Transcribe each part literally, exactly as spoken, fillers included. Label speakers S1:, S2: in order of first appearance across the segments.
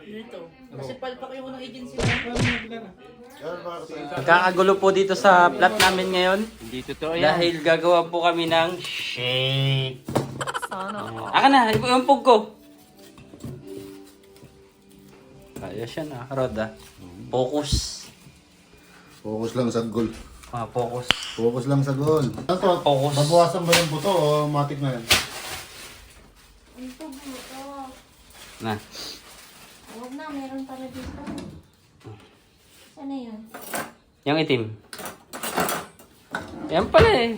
S1: Dito. Kasi palpak yung unang agency mo.
S2: Nagkakagulo po dito sa plot namin ngayon.
S3: Hindi totoo yan.
S2: Dahil gagawa po kami ng shake.
S1: Sana.
S2: Aka na, yung pug ko. Ayos yan ah, Rod ah. Focus.
S4: Focus lang sa goal.
S2: Ah, focus.
S4: Focus lang sa goal. Ano?
S2: Focus.
S4: Babawasan ba yung buto o matik na yan?
S5: Ito, buto.
S2: Na.
S5: Huwag na, meron pala dito. Saan na yun?
S2: Yung itim. Yan pala eh.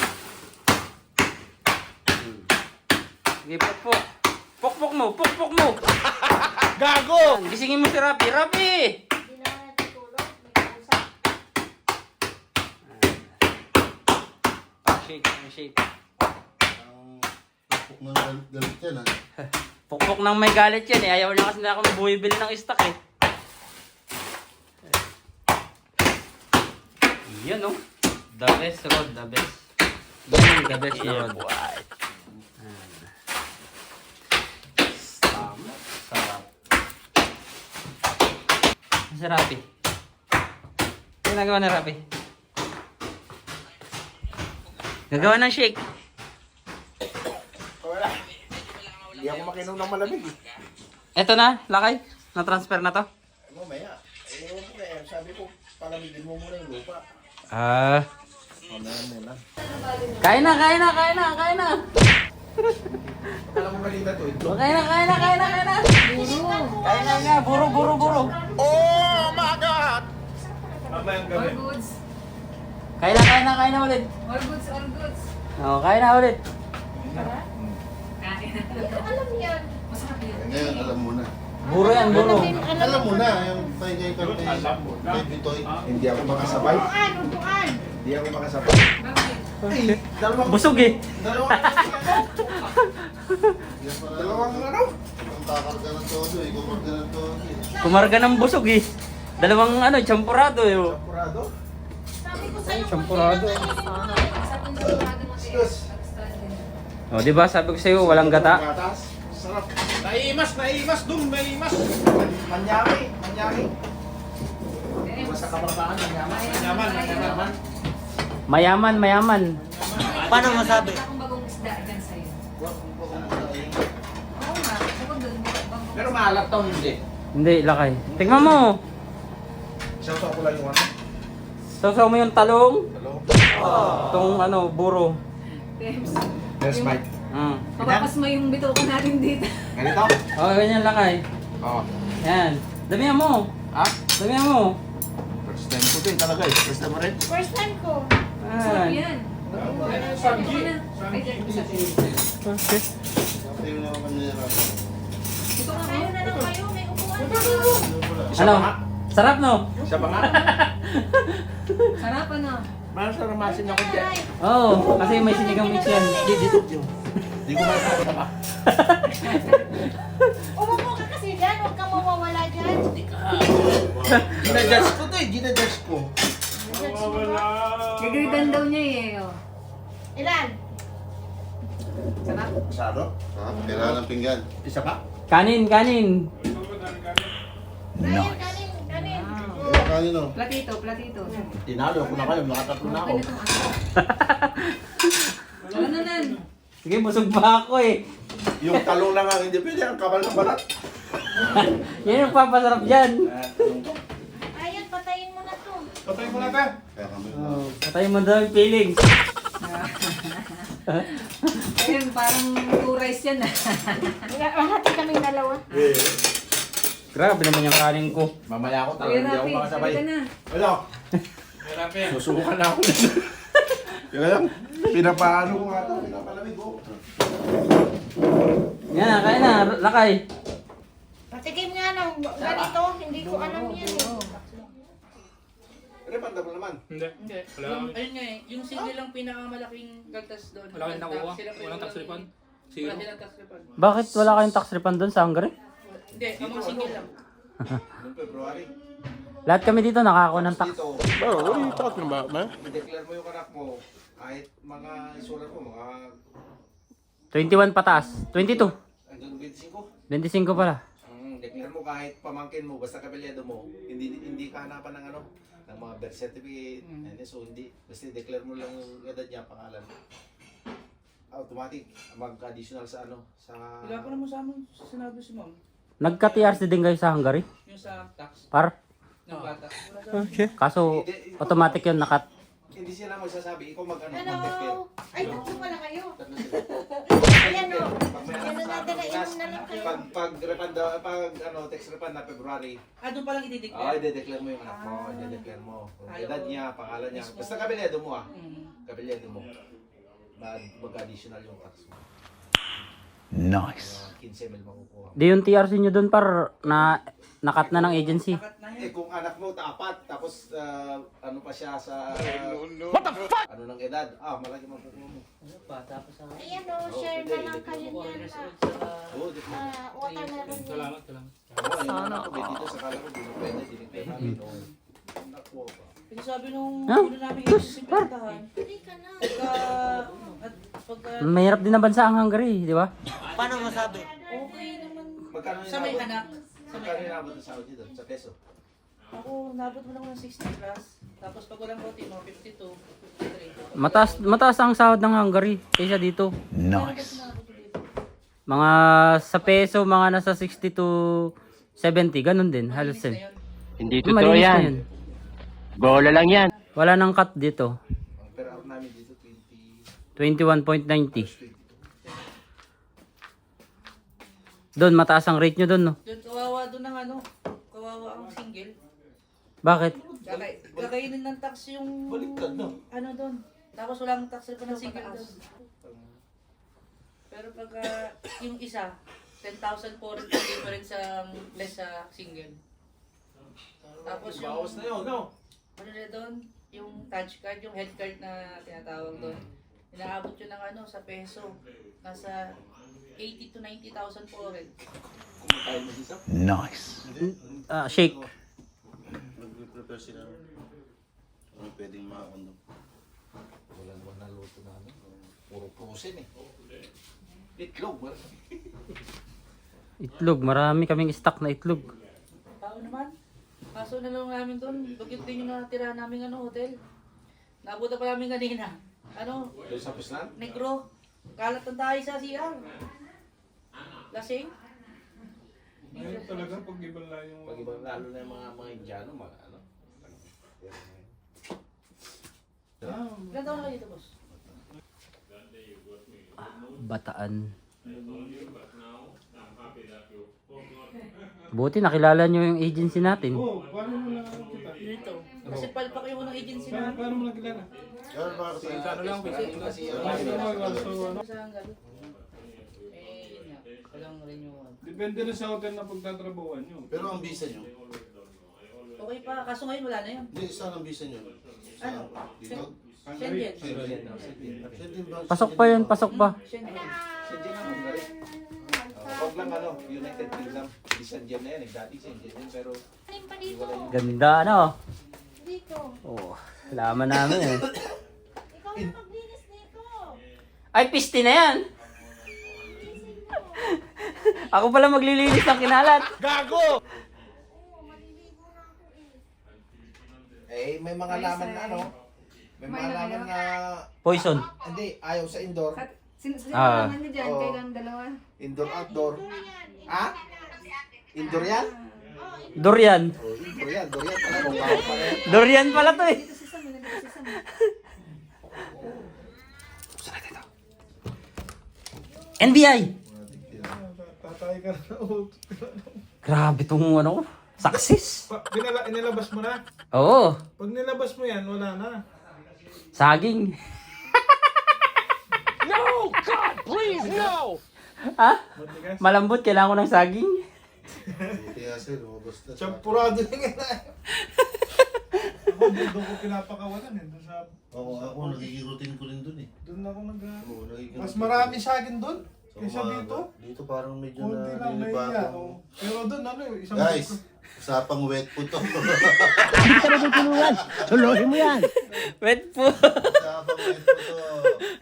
S2: Sige, pokpok. Pokpok mo, pokpok mo.
S3: Gago!
S2: Gisingin mo si Rapi. Rapi!
S5: Hindi na nga natutulog. May kausap.
S2: Ah, shake, ah, shake.
S4: Pukpok na galit, galit yan ha.
S2: Pokpok nang may galit yan eh. Ayaw na kasi na ako bumibili ng stock eh. Yan oh. The best Rod, the best. Yan the best na Rod. Tama. Sarap. Si Rapi. Ano ginagawa na Rapi? Gagawa ng shake.
S3: Wala. Hindi ako makinom ng malamig eh.
S2: Eto na, lakay. Na-transfer na to.
S3: Mamaya. Eh, ewan ko kaya. Sabi ko, palamigin mo muna yung lupa.
S2: Ah.
S3: Mamaya muna.
S2: Kain na, kain na, kain na, kain na.
S3: Alam mo balita to, itlog.
S2: Kain na, kain na, kain na, kain na. Kain na nga, buro, buro, buro.
S3: Oh my God! Mamayang gabi.
S6: All goods.
S2: Kain na, kain na, kain na ulit.
S6: All goods, all goods.
S2: Oo, kain na ulit.
S6: Kain.
S5: Alam yan.
S6: Masarap yun.
S4: Eh, ngayon alam mo na.
S2: Buro yan, buro.
S4: Alam mo na yung tayo kay kay kay Bitoy.
S3: Hindi ako makasabay.
S5: Upuan, upuan.
S3: Hindi ako makasabay.
S6: Bakit?
S3: Ay, dalawang...
S2: Busog eh.
S3: Dalawang... dalawang ano?
S4: Ang kakarga ng todo eh. Kumarga ng todo eh.
S2: Kumarga ng busog eh. Dalawang ano, champurado eh. oh.
S3: Sampurado?
S5: Sabi ko sa'yo,
S2: Champurado.
S5: Sana.
S6: Sabi ko sa mga mo
S3: Excuse.
S2: O, di ba sabi ko sa'yo, walang gata.
S3: Gatas. Sarap.
S7: Naimas, naimas, dum, naimas.
S3: Manyami. Manyami.
S6: Eh,
S3: Basta kabarabaan, manyami.
S7: Yaman, yaman.
S2: Mayaman, mayaman.
S6: Paano masabi? Akong bagong isda dyan sa'yo.
S3: Wag mo ko muna yung-
S6: Oo nga, bukod doon. bagong-
S3: Pero maalat to, hindi.
S2: Hindi, lakay. Tingnan mo.
S3: Isang ko lang yung ano.
S2: Sasaw mo yung talong.
S3: Hello?
S2: Itong ano, buro.
S6: Tems.
S3: Yes, Mike.
S2: Mm.
S6: Kapapas mo yung bituko natin dito.
S3: Ganito?
S2: O, ganyan lakay.
S3: Oo.
S2: Yan. Damihan mo.
S3: Ha?
S2: Damihan mo.
S3: First time ko din talaga eh. First time mo rin.
S5: First time ko.
S6: Sarap
S2: Yan.
S6: yan. Sabi ko na. Ay, dyan, isa.
S2: Okay.
S4: Ito yung mga kanila.
S6: Ito nga
S5: Kayo
S6: kayo.
S5: na lang kayo. May upuan.
S3: Isa
S2: Ano?
S3: pa nga.
S2: Sarap no?
S3: Isa pa nga.
S6: Sarap ano.
S3: Parang sa ramasin ako dyan.
S2: Oo, oh, kasi may sinigang mix yan.
S3: Hindi, dito yun. Hindi ko makakita pa.
S5: Umupo ka kasi dyan. Huwag kang mawawala dyan.
S3: Ginadjudge ko to eh. Ginadjudge ko.
S6: Gagridan daw niya eh. oh.
S5: Ilan?
S6: Sarap.
S3: Masado?
S4: Ha? Kailangan ng pinggan.
S3: Isa pa?
S2: Kanin, kanin.
S5: Kanin, kanin, kanin.
S4: Kaya kanino?
S6: Platito, platito.
S3: Tinalo ko na kayo. Nakatatlo na ako.
S6: Ganitong aso. Ano na nan?
S2: Sige, busog pa ako eh.
S3: Yung talong lang ang hindi pwede. Ang kabal ng balat.
S2: Yan yung papasarap dyan.
S5: Ayun, patayin mo na to.
S7: Patay mo na ka.
S4: Kaya kami.
S2: Oh, patay mo daw yung feelings.
S6: Ayun, parang two rice yan ah.
S5: Lahati kaming dalawa.
S3: Eh.
S2: Grabe naman yung kanin ko.
S3: Mamaya ako talaga.
S6: Kuya
S3: Hindi ako
S6: Rafi,
S3: makasabay.
S6: sabi ka na.
S3: Ano?
S7: Hirap yan.
S3: Susubukan na ako. Kaya lang. Pinapaano ko nga ito. Pinapalamig ko.
S2: Yan, kain na. Lakay.
S5: Patikim nga ng ganito. Hindi ko alam yan eh.
S3: Ano ba naman?
S7: Hindi.
S1: Hindi.
S7: Wala.
S1: Yung, ayun nga eh. Yung single lang pinakamalaking gagtas doon.
S7: Wala kang nakuha.
S1: Sila pa yung
S7: Walang tax refund.
S1: Wala
S7: Zero.
S1: silang tax refund.
S2: Bakit wala kayong tax refund doon sa Hungary?
S1: Hindi, ang mga single lang.
S3: Noong February.
S2: Lahat kami dito nakakakuha ng tax.
S3: Dito.
S7: Bro, what are you talking about, man?
S3: I-declare mo yung anak mo. Kahit mga isulat mo, mga
S2: twenty-one pataas. twenty-two.
S3: hanggang twenty-five.
S2: twenty-five pala.
S3: Mm,
S8: declare mo kahit pamangkin mo, basta kabilyado mo, hindi hindi ka hanapan ng ano, ng mga birth certificate,
S1: Mm.
S8: and so hindi, basta declare mo lang yung edad niya, pangalan. Automatic, mag-additional sa ano, sa...
S1: Wala ko naman sa amin sinabi si ma'am.
S2: Nagka-T R C din kayo sa Hungary?
S1: Yung sa tax
S2: Par?
S1: ng bata. Wala sa amin.
S2: Kaso, automatic yun, nakat.
S8: Hindi sila magsasabi, ikaw mag-ano,
S5: Hello!
S8: mag-declare.
S5: Ay, tatlo pala kayo.
S8: Tatlo sila.
S5: Ayan o.
S8: Pag may
S5: Ano
S8: anak sa
S5: natin na
S8: Pinas,
S5: inom na lang kayo.
S8: pag pag refund daw- pag ano text refund na February,
S1: Ah, doon palang
S8: ah,
S1: i-declare.
S8: i-declare mo yung anak mo,
S1: Ah.
S8: i-declare mo. Kung
S1: Ayaw.
S8: edad niya, pangalan niya.
S1: Mismo.
S8: Basta kabilyado mo ah.
S1: Mm.
S8: Kabilyado mo. Mag mag-additional yung tax mo.
S3: Nice.
S8: fifteen mil makukuha.
S2: Di yung T R C nyo dun par na nakat na ng agency.
S1: Nakat na
S8: Eh
S1: yun.
S8: kung anak mo tapat, tapos ah, ano pa siya sa What the fuck? Ano ng edad? Ah, malaki makukuha mo.
S1: Ano pa, tapos sa...
S5: Ayan o, share na lang kayo niyan na.
S8: Oo, di ko.
S5: Ah, watermelon niya.
S1: Salamat, salamat.
S8: Ako, yung anak ko, may dito sa kala ko, di ko pwede, dinigay namin. Oo. Nakuha pa.
S1: Kasi sabi nung
S2: Huh?
S1: ulo namin yung sisimentahan,
S5: Hindi ka na.
S1: pagka... At pagka...
S2: Mahirap din na bansa ang Hungary, di ba?
S1: Okay naman.
S8: Magkano
S1: Sa may
S8: inabot?
S1: anak. Sa may
S8: Magkano
S1: anak.
S8: inabot ng Saudi doon? Sa peso?
S1: Ako, nabot mo lang ng sixty plus. Tapos pag walang roti mo, fifty-two, fifty-three.
S2: Mataas, mataas ang sahod ng Hungary kaysa dito.
S1: Nice.
S2: Mga sa peso, mga nasa sixty to seventy, ganun din. Halos
S1: Malinis na
S2: din.
S1: yun.
S2: Hindi totoo yan. Bola lang yan. Wala nang cut dito.
S8: Ang per hour namin dito, twenty...
S2: twenty-one point nine zero. Doon, mataas ang rate nyo doon, no?
S1: Doon, kawawa doon ng ano, kawawa ang single.
S2: Bakit?
S1: Kakay, kakainin ng tax yung...
S8: Baliktad, no?
S1: Ano doon. Tapos walang tax pa ng single doon. Pero pagka yung isa, ten thousand po rin yung difference sa less sa single. Tapos yung...
S8: Bawas na yun, no?
S1: Ano na doon? Yung touch card, yung head card na tinatawag doon. Inaabot yun ng ano, sa peso. Nasa eighty to ninety thousand po rin.
S8: Kumakain mo isa?
S3: Nice.
S2: Ah, shake.
S4: Nag-prepare sila. Ano pwedeng makakondo.
S8: Wala naman naluto na ano. Puro prosen eh. Itlog, wala.
S2: Itlog, marami kaming stock na itlog.
S1: Tao naman. Kaso na lang namin doon, bakit din yung natira namin ano, hotel. Nabuta pa namin kanina. Ano,
S8: Doon sa Puslan?
S1: negro. Kalat ang tayo sa C R. Lasing.
S7: Ngayon talaga pag iba lang yung...
S8: Pag ibang lalo na yung mga mga Indiano, mga ano.
S1: Ilan taon na kayo dito, boss?
S2: Bataan. Buti nakilala nyo yung agency natin.
S7: Oh, paano mo na kita?
S1: Dito. Kasi palpak yung ng agency
S7: Paano,
S1: namin.
S7: paano mo nakilala?
S4: Gano'n ba kasi?
S8: Ano lang, kasi kasi
S7: Paano mo so, ano?
S1: Sa hanggang. Eh, yun nga. Walang renewal.
S7: Depende rin sa hotel na pagtatrabawan nyo.
S4: Pero ang visa nyo,
S1: Okay pa, kaso ngayon wala na yun.
S4: hindi, saan ang visa nyo?
S1: Ano?
S4: Dito?
S1: Schengen.
S8: Schengen, no? Schengen.
S4: Schengen ba?
S2: Pasok pa yun, pasok pa.
S1: Schengen.
S8: Schengen ang Hungary. Huwag lang ano, United Kingdom. Di Schengen na yan, eh. Dati Schengen yan, pero
S5: Alin pa dito?
S2: Ganda, ano?
S5: Dito.
S2: Oh, laman namin eh.
S5: Ikaw na maglinis dito.
S2: Ay, piste na yan! Ako pala maglilinis ng kinalat.
S5: Oo, maliligo na ako eh.
S8: eh may mga laman na ano. May mga laman na
S2: Poison.
S8: hindi ayaw sa indoor.
S6: Sin sino
S2: Ah.
S6: naman niyo dyan?
S8: Oo.
S6: Kailang dalawa?
S8: Indoor outdoor. Ah? Indoor yan?
S2: Durian.
S8: Oh, indoor yan, indoor yan pala. Kung bawal pala yan.
S2: Durian pala to eh.
S6: Dito si Sam, dito si Sam.
S2: N B I!
S7: Tatay ka na. Oh.
S2: Grabe tong ano, success.
S7: Pa, binala, inilabas mo na.
S2: Oo,
S7: Pag nilabas mo yan, wala na.
S2: saging. No! God, please, no! Ha?
S7: Matigas.
S2: Malambot, kailangan ko ng saging.
S4: Kaya sir, lumabas na.
S7: Champurado na nga na. Ako, doon ko pinapakawalan eh. Doon sa...
S4: Oo, ako nagiging routine ko rin dun eh.
S7: Doon ako nag...
S4: Oo, nagiging
S7: Mas
S4: routine
S7: marami
S4: ko.
S7: sa akin doon.
S4: So,
S7: Kaysa
S4: mga-
S7: dito.
S4: Dito parang medyo
S7: Kunti
S4: na
S7: lang, may
S4: nilibago.
S7: iya. Oh. Pero doon, ano, isang...
S4: Guys, usapang wet po to.
S2: Wait po.
S4: Usapang wet po to.